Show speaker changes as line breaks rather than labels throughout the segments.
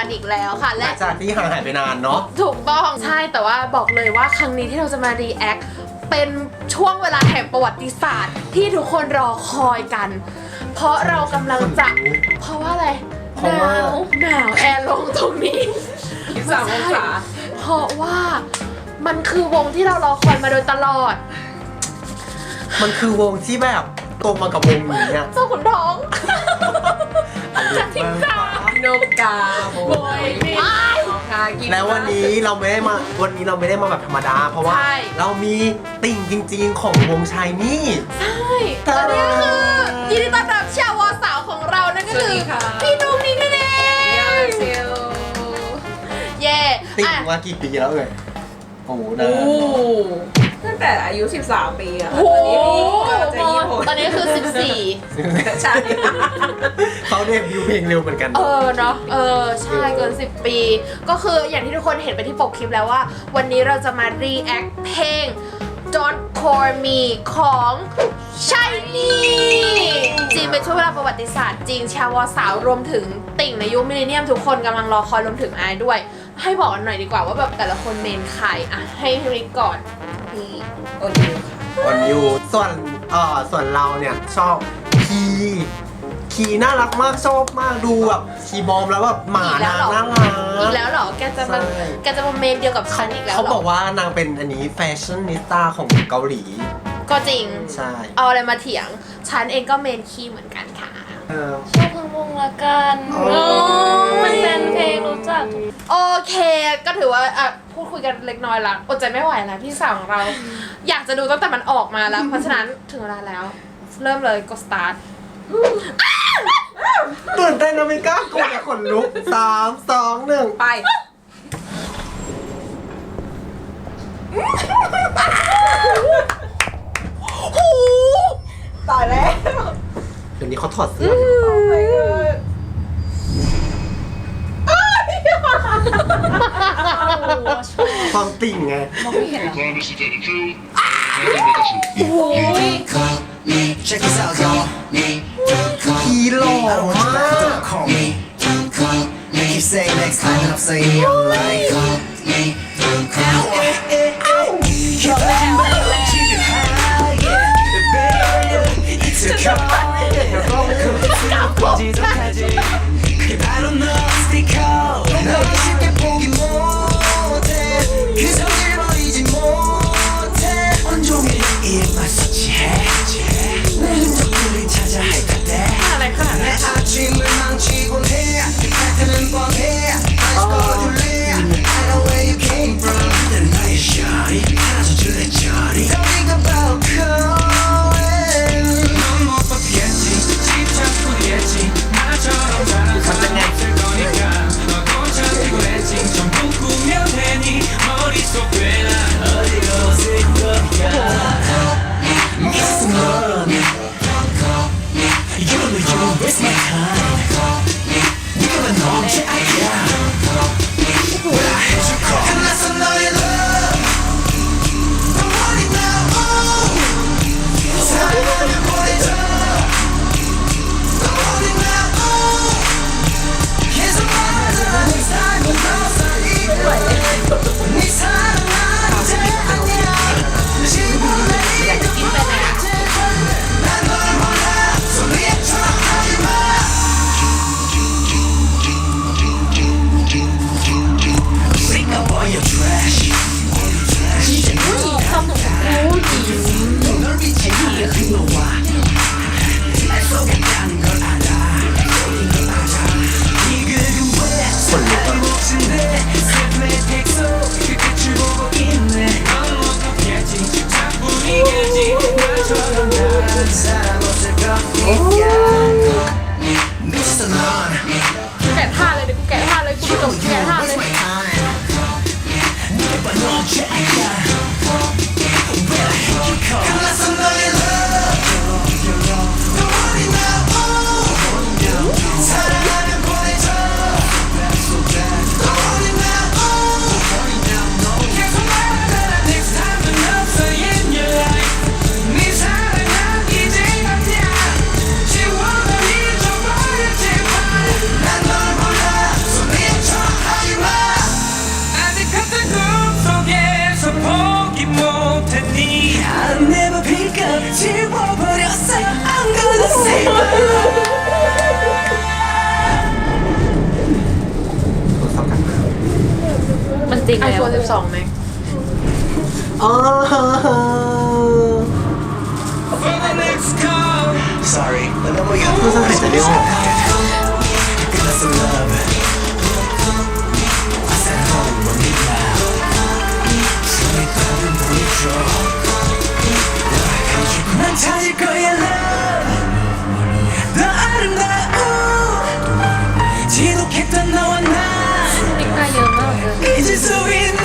กันอีกแล้วค่ะ
และจากที่ห่างหายไปนานเนาะ
ถูกต้องใช่แต่ว่าบอกเลยว่าครั้งนี้ที่เราจะมารีแอคเป็นช่วงเวลาแห่งประวัติศาสตร์ที่ทุกคนรอคอยกันเพราะเรากำลังจะเพราะว่าอะไรหนาวแอร์ลงตรงนี้
23 องศา
เพราะว่ามันคือวงที่เรารอคอยมาโดยตลอด
มันคือวงที่แบบโตมากับวงนี้เนี่ย
เจ้าขุนทองจะทิ้งตา
โนกาโบย
แล้ววันนี้เราไม่ได้มาแบบธรรมดาเพราะว่าเรามีติ่งจริงๆของวงชายนี่
ใช่และนี่คือยินดีต้อนรับชาวสาวของเรานั่นก็คือพี่นุ๊กนี่นั่นเองเย่
ติ่งมากี่ปีแล้วโอ้โหนะ
ตั้งแต่อายุ13 ปีอะ
ตอนนี้คือ14
ใช่
เขาเดบิวต์เพลงเร็วเหมือนกัน
เนาะใช่เกิน10 ปีก็คืออย่างที่ทุกคนเห็นไปที่ปกคลิปแล้วว่าวันนี้เราจะมารีแอคเพลง Don't Call Me ของชายนี่จริงเป็นช่วงเวลาประวัติศาสตร์จริงชาวสาวรวมถึงติ่งในยุคมิลเลนเนียมทุกคนกำลังรอคอยรวมถึงไอด้วยให้บอกกันหน่อยดีกว่าว่าแบบแต่ละคนเมนใครอ่ะให้ริกก่อนพี่
โอนยู
ค่ะโอนยูส่วนเราเนี่ยชอบคีน่ารักมากชอบมากดูแบบคีบอมแล้วแบบหมาน่ารัก
อีกแล้วเหรอแกจะมาเมนเดียวกับฉันอีกแล้ว
เขาบอกว่านางเป็นอันนี้แฟชั่นนิสต้าของเกาหลี
ก็จริง
ใช่
เอาอะไรมาเถียงฉันเองก็เมนคีเหมือนกันค่ะ
ชอบเพลงวงละกันมันเป็นเพลงรู้จัก
โอเคก็ถือว่าพูดคุยกันเล็กน้อยละอดใจไม่ไหวแล้วพี่สาวของเราอยากจะดูตั้งแต่มันออกมาแล้วเพราะฉะนั้นถึงเวลาแล้วเริ่มเลยกดสตาร์ท
ตื่นเต้นนะมิก้ากดแต่ขนลุก3 2 1
ไปตายแล้ว
เดี๋ยวนี้เขาถอดเสื้อความติ่งไง
มองไม่เห็น
ฮีโร่มาก
แกะท่าเลยเดี๋ยวกูแกะท่าเลยกูจบแกะท่าเลย
โทรศัพท์กันมา
มันจริง
ไอ
แล้ว
โฟน12ไหม
อ๋อ
Sorry, but no more
โทรศัพท์หายใจไม่ออก
That's some love. I said home, but me now. So we thought we would draw. 난 찾을 거야, love. 더 아름다운 지독했던 너와 나
ติ๊กมาเยอะมากเลย
잊을 수 있는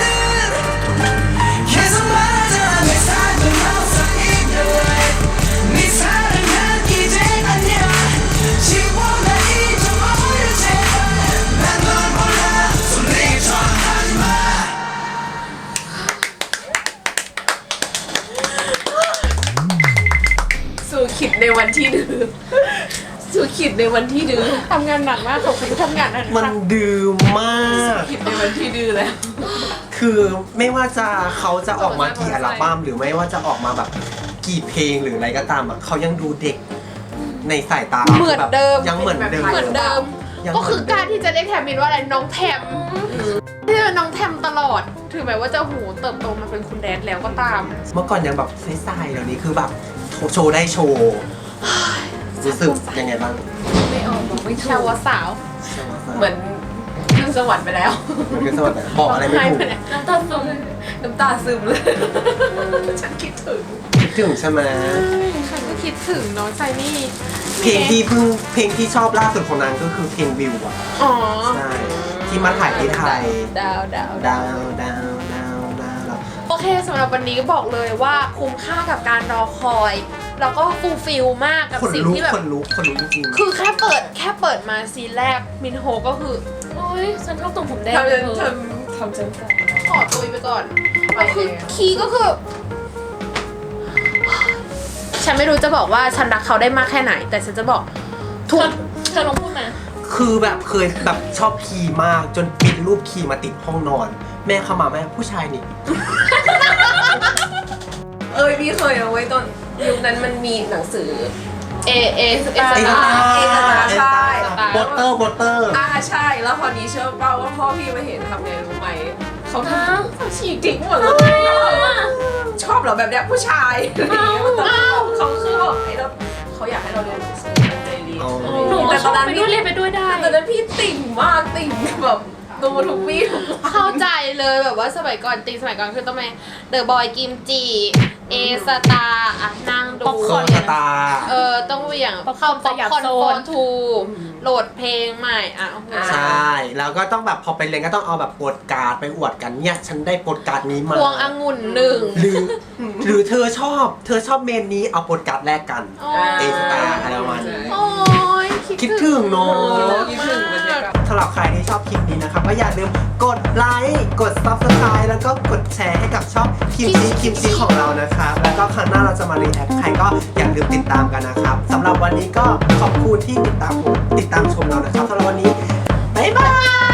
계속 말하자 내 삶은 항상 in your life 네 사랑은 이제 아니야 지워내 잊어버려 제발 난 널 몰라 손에 전하지마
สู่ขิดในวันที่ดื้อสู่ขิดในวันที่ดื้อ
ทำงานหนักมากขอบคุณที่ทำงานหนัก
มันดื้อมาก
ขิดในวันที่ดื้อแล้ว
คือไม่ว่าจะเขาจะออกมากี่อัลบั้มหรือไม่ว่าจะออกมาแบบกี่เพลงหรืออะไรก็ตามอะเขายังดูเด็กในสายตา
เหมือนเดิม
ยังเหมือนเดิม
เหมือนเดิม
ยัง
ก็คือการที่จะเรียกแทมมินว่าอะไรน้องแทมที่เป็นน้องแทมตลอดถึงแม้ว่าจะหูเติบโตมาเป็นคุณแดดแล้วก็ตาม
เมื่อก่อนยังแบบใสๆเดี๋ยวนี้คือแบบโชว์ได้โชว์รู้สึกยังไงบ้าง
ไม่ออกบอกไม่ถู
ชาว
ก
สาว
เหมือนขึ้นสวรรค์ไปแล้ว
มันก็สวัสดีบอกอะไรไม่ถูก
น้ำตาซึม
น้ำตาซึมเลย ฉันคิดถึง
คิดถึงใช่ไหม
ฉันก็คิดถึงน้องไซนี่
เพลงที่ชอบล่าสุดของนางก็คือเพลงวิวอะ
อ๋อ
ใช่ที่มาถ่ายที่ไทย
ดาว
ดาวดาวดาวดาว
โอเคสำหรับวันนี้ก็บอกเลยว่าคุ้มค่ากับการรอคอย แล้วก็ฟูลฟิลมากกับ
คน
สิ่ง
ลุก
ที่แบบ
คนลุกจริงๆ
คือแค่เปิดมาซีนแรกมินโฮก็คือ
โอ้ยฉันชอบตรงผมแดง
ทำ
เล
จ
ย
น
เธอ
ทำจนแสบ
ขอตุยไปก่อน
ไป
แล้วคือ
เลยอะ
คีย์ก็คือ ฉันไม่รู้จะบอกว่าฉันรักเขาได้มากแค่ไหน แต่ฉันจะบอกทุก
เธอลองพูดมา
คือแบบเคยแบบชอบคีย์มากจนปริ้นรูปคีย์มาติดห้องนอน แม่เข้ามาแม่ผู้ชายนี่
พี่เคยเอาไว้ตอนยุคนั้นมันมีหนังสือ
เอ
เอ
ส
ตา
ตา
ใช่
โปสเตอร์
ใช่แล้วพอนี้เชื่อเปล่าว่าพ่อพี่มาเห็นทำไงรู้ไหมเขาฉีกทิ้งหมดเลยชอบเหรอแบบเนี้ยผู้ชายเขาคือบอกไอ้เราเขาอยากให้เราเรียนหนังสือตั้งใจเรียน
หนูก็ชอบไปด้วยเรียนไปด้วยได้
แต่ตอนนั้นพี่ติ่งมากติ่งแบบดูทุกวี่ทุกวัน
เข้าใจเลยแบบว่าสมัยก่อนคือต้องไปเดอะบอยกิมจิเอสตาอ่ะนั่งดู
คอนสตาร์
ต้องเหวี่ยง
ป๊อปคอ
เข้า
ร์น
ป๊อปคอร์น
สยามโซ
โฟ
น
นทูโหลดเพลงใหม่อ่ะโอ้โห
ใช่ แล้วก็ต้องแบบพอไปเรียนก็ต้องเอาแบบโปสการ์ดไปอวดกันเนี่ยฉันได้โปสการ์ดนี้มา
พวงองุ่นหนึ่ง
หรือเธอชอบเมนนี้เอาโปสการ์ดแลกกัน
โอ้
เอสตาร์อะไรประมาณนี้
โอ้ย
คิดถึงเนาะ
คิดถึงบรรยากาศ
สำหรับใครที่ชอบคลิปนี้นะครับก็อย่าลืมกดไลค์กด subscribe แล้วก็กดแชร์ให้กับช่องคิมซีของเรานะครับแล้วก็ครั้งหน้าเราจะมารีแอคใครก็อย่าลืมติดตามกันนะครับสำหรับวันนี้ก็ขอบคุณที่ติดตามชมเรานะครับสำหรับวันนี้บ๊ายบาย